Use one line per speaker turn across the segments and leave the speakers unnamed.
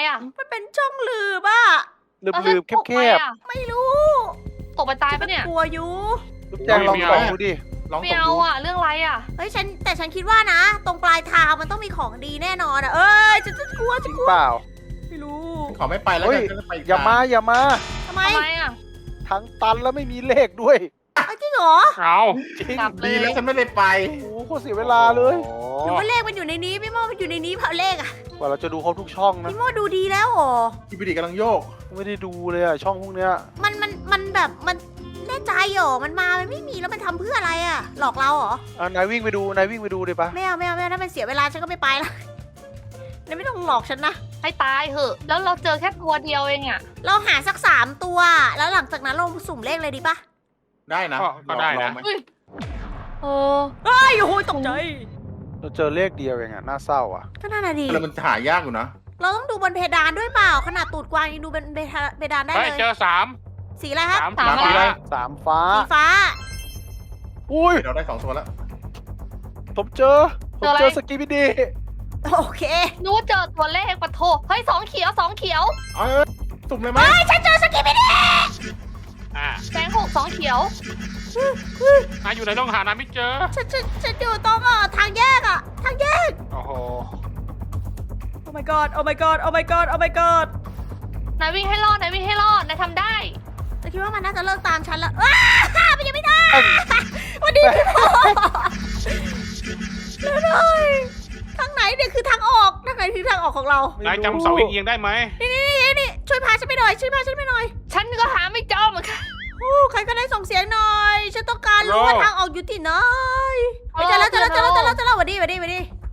อ่ะ
มันเป็นช่องลืบอะ
ลืบๆแคบ
ไม่รู้
ตกไปตายปะเนี่ย
กลัวอยู่
ๆลูกแจงลองส่องดูดิ
ลอง
ไม่
ส่ง
เอา
ดู
อ่ะเรื่องอะไรอ่ะ
เฮ้ยแต่ฉันคิดว่านะ ตรงปลายทางมันต้องมีของดีแน่นอนอะฉันกลัว
จริงเปล่า
ไม่รู้
ขอไม่ไปแล้ว
เฮ้
กั
ย
นฉันจะไปก
อย่ามา
ทำไม
ทำไมอ่ะ
ทั้งตันแล้วไม่มีเลขด้วย
จริงเหรอ
เอา
จริง
กลับเล
ดี
ย
แล้วฉันไม่ได้ไป
โอ้โหโคตรเสียเวลาเลย
หรือว่าเลขมันอยู่ในนี้พี่โมมันอยู่ในนี้เผาเลขอะ
กว่าเราจะดูครบทุกช่องนะ
พี่โมดูดีแล้วเหรอ
ที่พิธีกำลังโยก
ไม่ได้ดูเลยอะช่องพวกเนี้ย
มันแบบมันแน่ใจเหรอมันไม่มีแล้วมันทำเพื่ออะไรอะหลอกเราเหรอ
นายวิ่งไปดูดิปะ
ไม่เอาถ้ามันเสียเวลาฉันก็ไม่ไปละนายไม่ต้องหลอกฉันนะ
ให้ตายเหอะ แล้วเราเจอแค่ตัวเดียวเองอ่ะ
เราหาสัก3 ตัว แล้วหลังจากนั้นเราสุ่มเลขเลยดีปะ
ได้นะ
ก็ได้
ลอ
นะ
งไหม
เออ
เฮ้ยโอ้ยตกใจ
เราเจอเลขเดียวเองอะน่าเศร้าอะ
ก็น่าดี
แล้วมันหายากอยู่นะ
เราต้องดูบนเพดานด้วยเปล่า ขนาดตูดกวางยังดูบนเพดานได้
เฮ้ย
เลย
เจอ3
สีอะไรครับ
3
3
สี
อะไร
3 ฟ้า
สีฟ้า
อุ้ย
เราได้2 ตัวแล้ว
ผมเจอสกีบิดี
โอเค
นึกว่าเจอตัวเลขปะโถเฮ้ย2 เขียว 2 เขียว
เอาสุ่มเลยไหม
ฉันเจอสกิปปี้ดิ
อ่า
แดง6 2 เขียว
นายอยู่ในต้องหานาไม่เจอ
ฉันอยู่ตรงทางแยกทางแยก
โอ้โห
โอ้ my god โอ้ my god โอ้ my god โอ้ my god
นายวิ่งให้รอด นายวิ่งให้รอด นายทำได้
แต่คิดว่ามันน่าจะเลิกตามฉันแล้วมันยังไม่ได้วันนี้พี่โมแล้วเลยทางไหนเนี่ยคือทางออกทางไหนคือทางออกของเรา
นายจำเสาเอียงๆได้ไหม
นี่ช่วยพาฉันไปหน่อยช่วยพาฉันไปหน่อย
ฉันก็หาไม่เจอเหมือนกัน
ใครก็ได้ส่งเสียงหน่อย ฉันต้องการรู้ว่าทางออกอยู่ที่ไหนเจอแล้วสวัสดี
มาเร็ว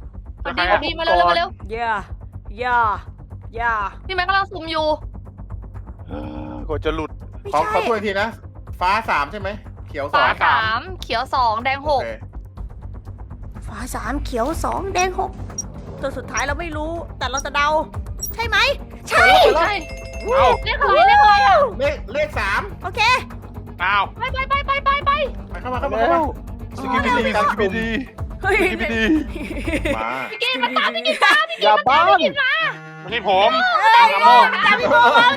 ย่า
พี่แม็กกำลังซุ่มอยู่
กว่าจะหลุด
ไม่
ขอ
ใช่
ถ้วยทีนะ ฟ้า3ใช่ไหม เขียว
ฟ้า
2
3 เขียว 2 แดง
โอเค
ฟ้า3เขียว2แดง6ตัวสุดท้ายเราไม่รู้ แต่เราจะเดา ใช่ไหมใช่
6 ใช่
เอา
เลขอะไรอ่ะ
เลข3
โอเค
เอา
ไป
ไปเข้ามา
แล้ว
สกิปปี้ดี
สกีบิดี
เฮ้ย
สกีบิดี
มา
พี่กินมาตามพี่กิน
อย่าบ้าน
ไม่ใช่ผม
ตาม
กระโมง
พี่โม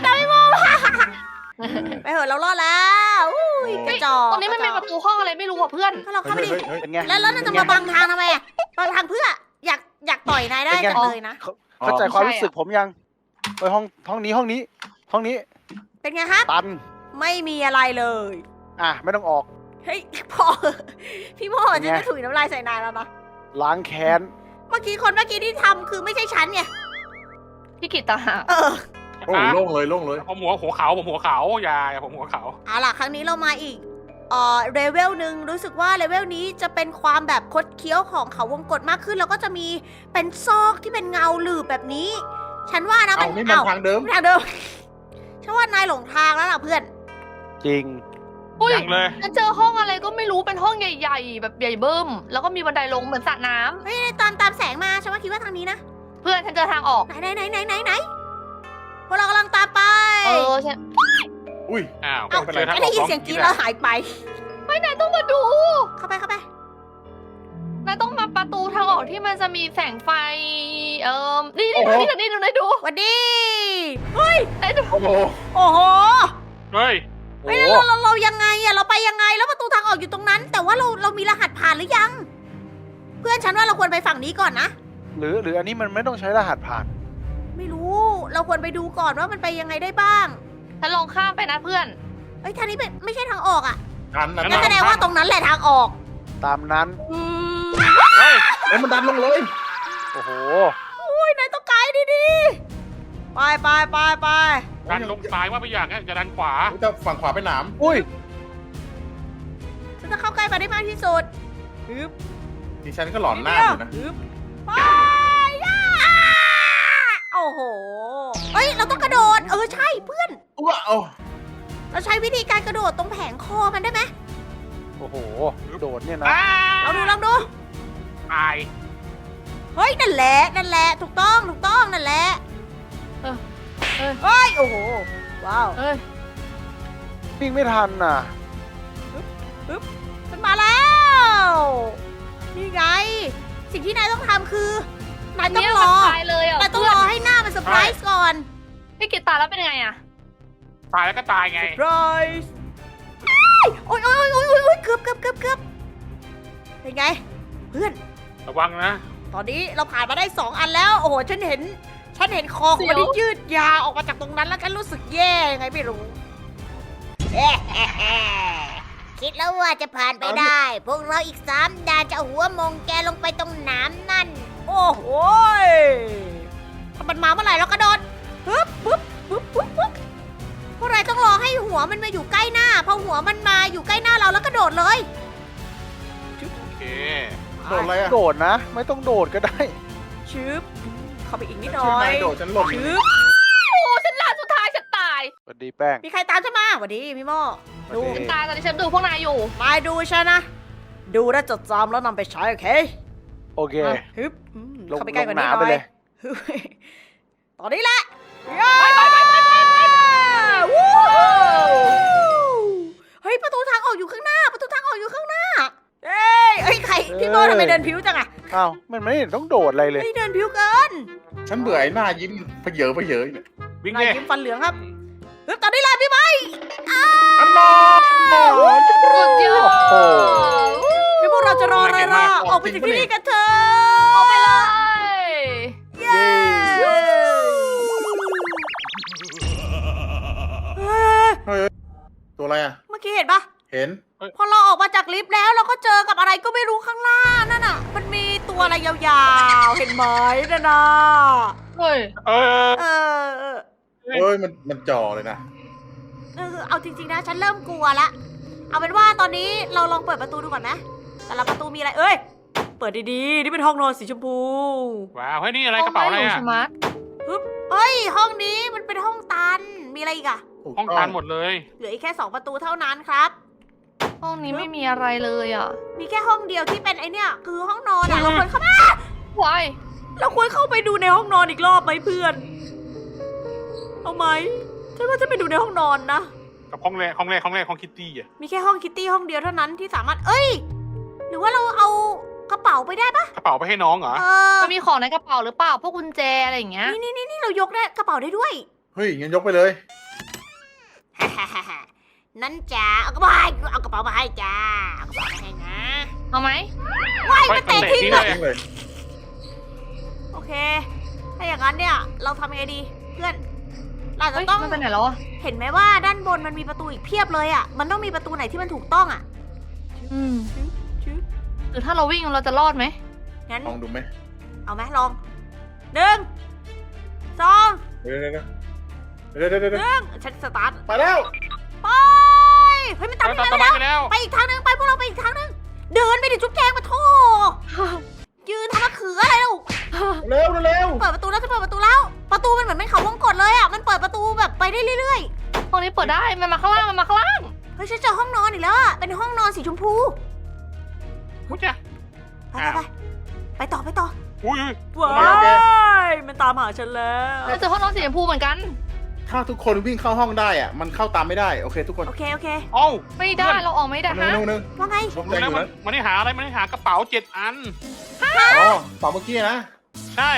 ไปเหอะเรารอดแล้วอุ้ยกระจอก
ตรงนี้มันเป็นประตูห้องอะไรไม่รู้อ่ะเพื่อน
ถ้าเราเข้าไปดิ
เฮ้ย
เป็นไง
แล้วนั่นจะมาบังทางทำไมบังทางเพื่ออยากต่อยนายได้จังเลยนะ
เข้าใจความรู้สึกผมยังไปห้องนี้
เป็นไงครับ
ตัน
ไม่มีอะไรเลย
ไม่ต้องออก
เฮ้ยพอพี่โมจะไม่ถุยน้ำลายใส่นายแล้วนะ
ล้างแค้น
เมื่อกี้ที่ทำคือไม่ใช่ฉันไง
พี่กิตต่างหาก
โอ้โล่งเลย
ผมหัวเขาอย่าผมหัวเขา
เอาล่ะ ครั้งนี้เรามาอีกเลเวลหนึ่งรู้สึกว่าเลเวลนี้จะเป็นความแบบคดเคี้ยวของเขาวงกตมากขึ้น แล้วก็จะมีเป็นซอกที่เป็นเงาหลืบแบบนี้ ฉันว่านะ
เอานี่มันทางเดิม
ทางเดิมฉันว่านายหลงทางแล้วล่ะเพื่อน
จริง
อุ้ย
ยังเลย
ฉันเจอห้องอะไรก็ไม่รู้เป็นห้องใหญ่ๆ แบบใหญ่เบิ้ม แล้วก็มีบันไดลงเหมือนสระน้ำ
เฮ้ยตามแสงมาฉันว่าคิดว่าทางนี้นะ
เพื่อนฉันเจอทางออก
ไหนพวกเรากำลังตามไป
ฉัน
อุ้ย
อ้าว
เอ้า
เจอทาง
ไม่
อ
ได้
อก
ยิน
สอง
เสียงกรี๊ด
ที
แล้วหายไป
นายต้องมาดู
เข้าไป
นายต้องมาประตูทางออกที่มันจะมีแสงไฟ นี่นายดู
หวัดดี
นายดู
โอ้โห
โอ้โห
เฮ้ย
โอ้
เฮ้ยแล้วเรายังไงอะเราไปยังไงแล้วประตูทางออกอยู่ตรงนั้น แต่ว่าเรามีรหัสผ่านหรือยัง เพื่อนฉันว่าเราควรไปฝั่งนี้ก่อนนะ
หรืออันนี้มันไม่ต้องใช้รหัสผ่าน
ไม่รู้เราควรไปดูก่อนว่ามันไปยังไงได้บ้าง
ฉันลองข้ามไปนะเพื่อน
เอ้ยทางนี้เป็นไม่ใช่ทางออกอะ
ทันนะ
งั้นแสดงว่าตรงนั้นแหละทางออก
ตามนั้น
เฮ้ย
เอ้ยมันดันลงเลย
โอ้โห
อุ้ยนายต้องไกด์ดีๆไป
ดันลงซ้ายว่าไปอย่างนั้นจะดันขวา
แต่ฝั่งขวาเป็นหนาม
อุ้ย
ฉันจะเข้าใกล้มาได้มากที่สุดฮึบ
ดิฉันก็หลอนหน้าอยู่นะ
ฮึบไปย่าโอ้โหเอ้ยเราต้องกระโดดใช่เพื่อน
ว้าว
เราใช้วิธีการกระโดดตรงแผงคอมันได้ไหม
โอ้โห โดดเนี่ยนะ
ลองดู
ตาย
เฮ้ยนั่นแหละถูกต้องนั่นแหละ
เออ
เฮ้ยโอ้โหว้าว
เอ้ย
วิ่งไม่ทันน่ะ
มันมาแล้วนี่ไง สิ่งที่นายต้องทำคือนายต้องรอ
ตายเลยอ่ะ
นายต้องรอให้หน้ามันเซอร์ไพรส์ก่อน
พี่กิตตายแล้วเป็นไงอะ
ตายแล้วก็ตายไง
เซอร์ไพรส์โอ้ยเกือบเป็นไง เพื่อน
ระวังนะ
ตอนนี้เราผ่านมาได้2 อันแล้ว โอ้โห ฉันเห็นคอของมันที่ยืดยาวออกมาจากตรงนั้นแล้วฉันรู้สึกแย่ยังไงไม่รู้ คิดแล้วว่าจะผ่านไปได้ พวกเราอีก3 ด่านจะเอาหัวมงแกลงไปตรงน้ำนั่น โอ้โหยถ้ามันมาเมื่อไหร่เรากระโดดปึ๊บพวกเราต้องรอให้หัวมันมาอยู่ใกล้หน้า พอหัวมันมาอยู่ใกล้หน้าเราแล้วกระโดดเลย
โอเค
โดดอะไรอ่ะ
โดดนะ ไม่ต้องโดดก็ได้
ชึบเข้าไปอีกนิดห
ฉั
น่
น
อ
ไม่
ย
โดดฉันหล่น
ชึบ
โอ้ฉันลาสุดท้ายฉันตาย
สวัสดีแป้ง
มีใครตามฉันมาสวัสดีพี่โม่ ดู
สวัส
ฉั
ดี
นตายตอนนี้ฉันดูพวกนายอยู่
มาดูฉันนะ ดูและจดจำแล้วนำไปใช้โอเค
โอเค
ฮึบ
ลง
เข้าไปใกล้กว่านี้
ลง
หน่
น้ำไป
อย
เลย
ฮึบตอนนี้แหละวู้เฮ้ยประตูทางออกอยู่ข้างหน้า ประตูทางออกอยู่ข้างหน้าเอ้ยใครพี่โม่ทำไมเดินผิวจังอะ
อ้าวมันไม่เห็นต้องโดดอะไรเลย
เฮ้ยเดินผิวเกิน
ฉันเบื่อไอ้หน้ายิ้มเพเยอะเนี่ย
วิ่ง
นาย
เลย
ยิ้มฟันเหลืองครับฮึบตอนนี้แหละพี่ไม้
อันนอ
สุดยอด
โอ้โห
เดี๋ยวพวกเราจะรออะไรล่ะออกไปจากที่นี่กันเถอะ
ออกไปเลย
เย้เฮ้ย
ตัวอะไรอ่ะ
เมื่อกี้เห็นปะ
เห็น
พอเราออกมาจากลิฟต์แล้วเราก็เจอกับอะไรก็ไม่รู้ข้างล่างนั่นน่ะ มันมีตัวอะไรยาวๆ เห็นไหมนั่นน่ะ
เฮ้ย
เออ
เออ
เอ้ยมันจ่อเลยนะ
เอาจริงๆนะ ฉันเริ่มกลัวละ เอาเป็นว่าตอนนี้เราลองเปิดประตูดูก่อนนะ แต่ละประตูมีอะไร เอ้ย เปิดดีๆ นี่เป็นห้องนอนสีชมพู
ว้าวเฮ้ยนี่อะไรกระเป๋าอะไร
ห้ง
อ่ะ
สมาร์ท
เฮ้ย ห้องนี้มันเป็นห้องตัน มีอะไรอีกอะ
ห้องตันหมดเลย
เหลืออีกแค่2 ประตูเท่านั้นครับ
ห้องนี้ไม่มีอะไรเลยอ่ะ
มีแค่ห้องเดียวที่เป็นไอเนี่ย คือห้องนอนอะเราควรเข้ามา
วาย
เราควรเข้าไปดูในห้องนอนอีกรอบไหมเพื่อน เอาไหมฉันว่าจะไปดูในห้องนอนนะ
กับห้องแรกห้องคิตตี้อ่ะ
มีแค่ห้องคิตตี้ห้องเดียวเท่านั้นที่สามารถ เอ้ย หรือว่าเราเอากระเป๋าไปได้ปะ
กระเป๋าไปให้น้องเหรอ
มันมีของในกระเป๋าหรือเปล่า พวกกุญแจอะไรอย่างเงี้ย
นี่เรายกได้กระเป๋าได้ด้วย
เฮ้ยงั้นยกไปเลย
นั่นจ้าเอากระเป๋ามาให้จ้าเอากระเป๋ามาให้นะ
เอาไหม
ว้าย
ไป
มันเตะทิ้ง
เล
เลย
ย
ทิ้งเลย
โอเค ถ้าอย่างนั้นเนี่ย เราทำยังไงดี เพื่อน เราจะ
เฮ้ย
ต้อง
มันไปไหนแล้วอ่ะ
เห็นไหมว่าด้านบนมันมีประตูอีกเพียบเลยอ่ะ มันต้องมีประตูไหนที่มันถูกต้องอ่ะ
อืม
ชึบ
หรือถ้าเราวิ่งเราจะรอดไหม
งั้น
ลองดูไหม
เอาไหมลอง1 2
เดี๋ยว
ฉันสตาร์ท
ไปแล้ว
ไป เฮ้ยมันตาม
ต่อ
ไป
ไป
แล้ว
ไปแล้ว
ไปอีกทางนึงไปพวกเราไปอีกทางนึง เดินไปดิจุ๊บแจงมาโทยืนทำมะเขืออะไรลูก
เร็ว
เปิดประตูแล้วจะเปิดประตูแล้ว ประตูมันเหมือนเป็นเขาวงกตเลยอ่ะ มันเปิดประตูแบบไปได้เรื่อย
ห้องนี้เปิดได้ มันมาข้างล่าง มันมาข้างล่าง
ๆ เฮ้ยฉันเจอห้องนอนอีกแล้วอ่ะ เป็นห้องนอนสีชมพู
อุ้ยจ้ะ
ไปต่อ
อุ้ย
ว้ายมันตามหาฉันแล้ว
เราเจอห้องนอนสีชมพูเหมือนกัน
ถ้าทุกคนวิ่งเข้าห้องได้อ่ะมันเข้าตามไม่ได้โอเคทุกคน
โอเค
เอ้า
ไม่ได้ เราออกไม่ได้ฮะ
นึง
ว่าไง
ลง
ดู
แรง
แล้
อ
ว
ยู่
มัน
นะ
มันได้หาอะไรมันได้หากระเป๋า7 อัน
อ๋อเป๋าเมื่อกี้นะ
ใช่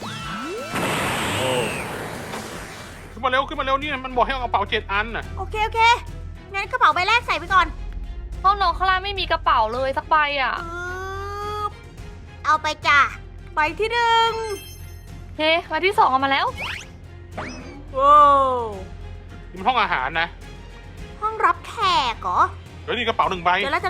ขึ้นมาเร็วนี่มันบอกให้เอากระเป๋า7 อันน่ะ
โอเคงั้นกระเป๋าใบแรกใส่ไปก่อน
ห้องนอนข้างล่างไม่มีกระเป๋าเลยสักใบอ่ะ
ปึ๊บเอาไปจ้ะใบที่หนึ่ง
เฮ้มาที่ 2เอามาแล้ว
ว้าว
นี่มันห้องอาหารนะ
ห้องรับแขกเหรอ
เดี๋ยวนี่กระเป๋า1 ใบ
เจอแล้ว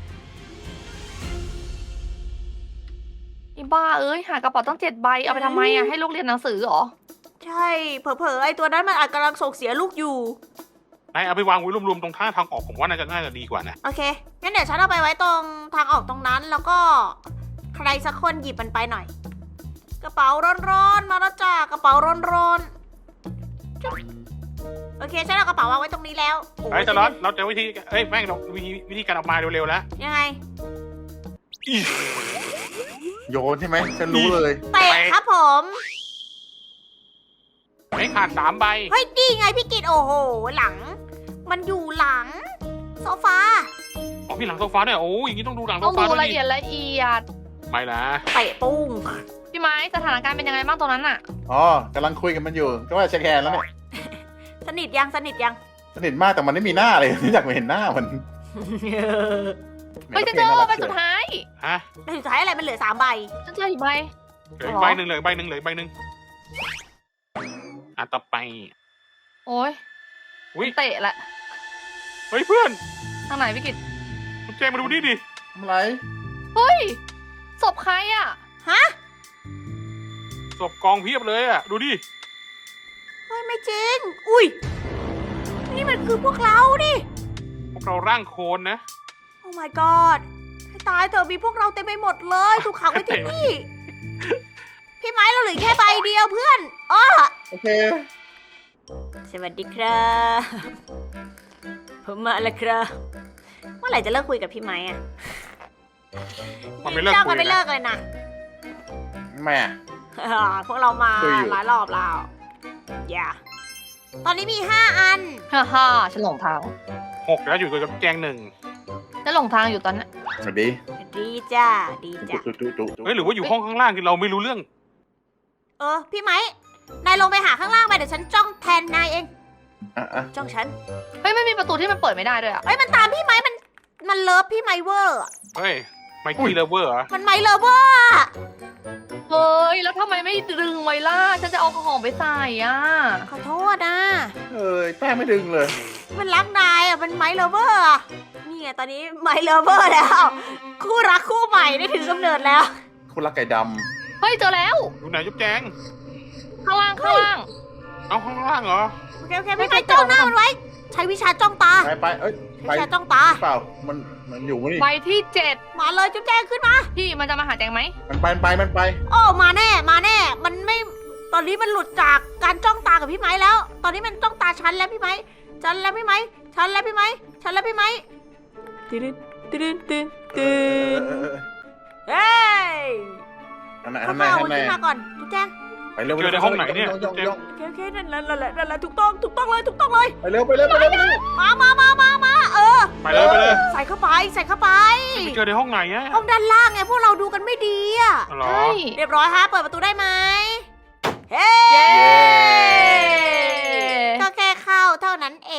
อีบ้าเอ้ย หากระเป๋าต้อง7 ใบ เอาไปทำไมอ่ะ ให้ลูกเรียนหนังสือเหรอ
ใช่ เผลอๆไอตัวนั้นมันอาจกำลังส่งเสียลูกอยู่
นายเอาไปวางไว้รวมๆตรงท่าทางออกผมว่าน่าจะดีกว่านะ
โอเค งั้นเดี๋ยวฉันเอาไปไว้ตรงทางออกตรงนั้น แล้วก็ใครสักคนหยิบมันไปหน่อย กระเป๋าร้อนๆ มาแล้วจ้ากระเป๋าร้อนๆจุ๊บโอเค ฉันเอากระเป๋าวางไว้ตรงนี้แล้วโอ้
เฮ้ยแต่เราจะวิธีแม่งเราวิธีการออกมาเร็วๆแล้ว
ยังไง
โยนใช่ไหมฉันรู้เลย
เตะครับผม
ไม่ขาด3 ใบ
เฮ้ยนี่ไงพี่กิตโอ้โห หลัง มันอยู่หลัง โซฟา
อ๋อมีหลังโซฟาด้วยโอ้ยอย่างนี้ต้องดูหลังโซ
ต้อง
ฟา
ดู
ด้วย
ละเอียดละเอียด
ไม่ละ
เตะปุ้ง
พี่พี่ไม้สถานการณ์เป็นยังไงบ้างตรงนั้นอะ
อ๋อกำลังคุยกันมันอยู่ ก็ว่าเช็คแฮนด์แล้วเนี่ย
สนิทยังสนิทยัง
สนิทมากแต่มันไม่มีหน้าเลยไม่อยากไปเห็นหน้ามัน
เฮ้ยฉันเจอใบสุดท้าย
ฮะ
ในสุดท้ายอะไรมันเหลือ3 ใบ
ฉันเจออีกใบ
เหลืออีกใบหนึ่งเหลืออีกใบหนึ่งเหลืออีกใบหนึ่งอ่ะต่อไป
โอ้ย
อุ้ย
เตะแหละ
เฮ้ยเพื่อน
ทางไหนพี่กิต
คุณแจงมาดูนี่ดิ
ทำไร
เฮ้ยศพใครอะ
ฮะ
ศพกองเพียบเลยอ่ะดูดิ
เฮ้ยไม่จริง อุ้ย นี่มันคือพวกเราดิ
พวกเราร่างโคลนนะ
โอ้ my god ให้ตายเถอะมีพวกเราเต็มไปหมดเลยถูกขังไว้ที่นี่ พี่ไม้เราเหลือแค่ใบเดียวเพื่อนอ้อ
โอเค
สวัสดีครับผมมาแล้วครับเมื่อไหร่จะเลิกคุยกับพี่ไม้อะ
มันไม่เลิก
จ้า
คุ
กัน
ย
ไม่เลิ
นะ
กเลยนะ
แม่
พวกเรามา
คุยอยู่
หลายรอบแล้วอย่าตอนนี้มี 5 อัน
ฮ่าฮ่าฉันหลงทาง
6แล้วอยู่กับแจง1
ฉันหลงทางอยู่ตอนนั้น
สวัสดี
ดีจ้าดีจ้า
จุ๊
เฮ้ยหรือว่าอยู่ห้องข้างล่างคือเราไม่รู้เรื่อง
พี่ไม้นายลงไปหาข้างล่างไปเดี๋ยวฉันจ้องแทนนายเอง
อ่ะ
จ้องฉัน
เฮ้ยไม่มีประตูที่มันเปิดไม่ได้ด้วยอะ
เอ้ยมันตามพี่ไม้มันเลิฟพี่ไม้เวอร์อะ
เฮ้ยไมกี้เลเวอร์เหรอ
มันไม้เลิฟเวอร์อะ
เฮ้ยแล้วทำไมไม่ดึงไว้ล่ะฉันจะเอาของไปใส่อะ
ขอโทษนะ
เอ้ยแป้งไม่ดึงเลย
มันรักนายอะมันไม้เลิฟเวอร์อะนี่ไงตอนนี้ไม้เลิฟเวอร์แล้ว คู่รักคู่ใหม่ได้ถือกำเนิดแล้ว
คุณรักไก่ด
เฮ้ยเจอแล้ว
อยู่ไหนจุ๊บแจง
ข้างล่างข้างล่าง
เอาข้างล่างเหรอ
โอเคพี่ไม้จ้องหน้ามันไว้ ใช้วิชาจ้องตา
ำไปเอ้ย
ใช้
ไป
วิชาจ้องตา
เปล่ามันอยู่นี่
ใบที่
มาเลยจุ๊บแจงขึ้นมา
7พี่มันจะมาหาแจงไหม
มันไป
โอ้มาแน่มาแน่ มันไม่ตอนนี้มันหลุดจากการจ้องตากับพี่ไม้แล้ว ตอนนี้มันจ้องตาฉันแล้วพี่ไม้ฉันแล้วพี่ไม้ฉันแล้วพี่ไม้ฉันแล้วพี่ไม้ตื่นตื่นตื่นตื่นเฮ้ย
อันไหน
ค่
อันไหน
อยๆเอา
อั
มัน น
ไหน
ขึ้นมาก่อนจุ๊บแจง
ไปเร็ว
เจอในห้องไหนเนี่ย
ย่อง
โอเคนั่นแหละถูกต้องเลย
ไปเร็วไปเร็ว
มา
ไปเลยไปเลย
ใส่เข้าไปใส่เข้าไป
ไปเจอในห้องไหนอะ
ห้องด้านล่างไงพวกเราดูกันไม่ดีอะ
เหรอ
ใช่
เรียบร้อยฮะเปิดประตูได้ไหมเฮ้
เย้
ก็แค่เข้าเท่านั้นเอง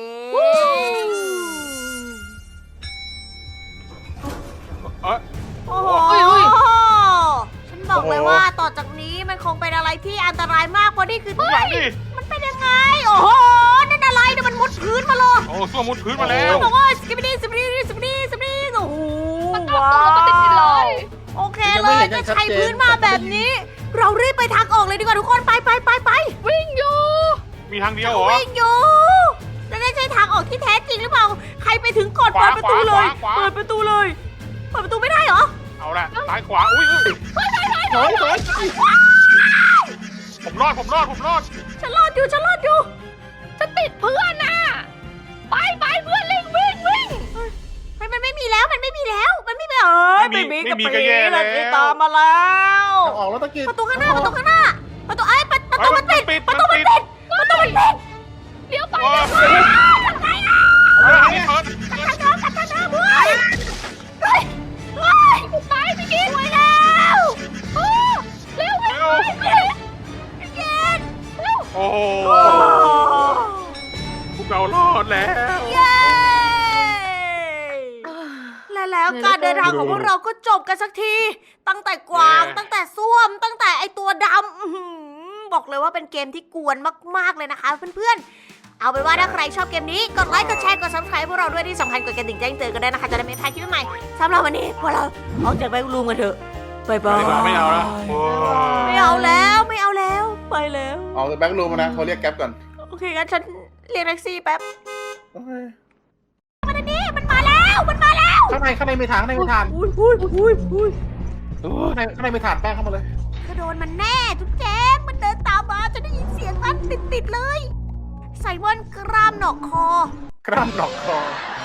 เอ้ย
โอ้โห ฉันบอกเลยว่าต่อจากนี้มันคงเป็นอะไรที่อันตรายมากเพราะนี่คือที่ไหน
นี่
มันเป็นยังไง โอ้โห นั่นอะไรเนี่ยมันมุดพื้นมาเลย
โอ้ส้วมมุดพื้นมาแล้ว
บอกว่าสกิปปี้โอ้โห
มันตามตัวแล้วก็ติดเลย
โอเคเลยจะใช้พื้นมาแบบนี้ เรารีบไปทางออกเลยดีกว่าทุกคนไป
วิ่งอยู่
มีทางเดียวเหรอ
วิ่งอยู่แล้วนั่นใช่ทางออกที่แท้จริงหรือเปล่า ใครไปถึงก่อนเปิดประตูเลย
ขวา
เปิดประตูเลย เปิดประตูไม่ได้เหรอ
เอาละซ้ายขวาอุ้ย
ถอย
ผมรอด
ฉันรอดอยู่
ฉันติดเพื่อนน่ะไปเพื่อนวิ่ง
เฮ้ยมันไม่มีแล้วไม่มีกระปีแล้วที่ตามมาแล้ว
ออกแล้วตะกี้
ประตูข้างหน้าประตูมันปิด
ประตูมันปิด
เลี้ยวไป
โอ้ยอันนี้เปิด
ไปพี่กิ๊กไปแล้วเร็ว
เร็วโอ้โหพวกเรารอดแล้ว
เย้และแล้วการเดินทางของพวกเราก็จบกันสักที ตั้งแต่กวางตั้งแต่ส้วม ตั้งแต่ไอตัวดำบอกเลยว่าเป็นเกมที่กวนมากๆเลยนะคะเพื่อนๆ เอาเป็นว่าถ้าใครชอบเกมนี้กดไลค์กดแชร์กด subscribe พวกเราด้วยที่สำคัญกดกระดิ่งแจ้งเตือนกันด้วยนะคะจะได้ไม่พลาดคลิปใหม่สำหรับวันนี้พวกเราออกจากแบงค์รูมกันเถอะบายบาย
ไม่เอาแล้วโอ้ย
ไม่เอาแล้วไปแล้ว
ออกจากแบ็ครูมนะเขาเรียกแก๊ปก่อน
โอเคงั้นฉันเรียกแท็กซี่แป๊บ
โอเค
มันมาแล้ว
ข้างในไม่ทางข้างในไม่ทาง
อุ้ย
ข้างในไม่ทางแป้งเข้ามาเลย
ก็โดนมันแน่ทุกแจ๊กมันเดินตามมาจะได้ยินเสียงมันติดเลยไซมอนกรามหนอกคอ
กล้ามหนอกคอ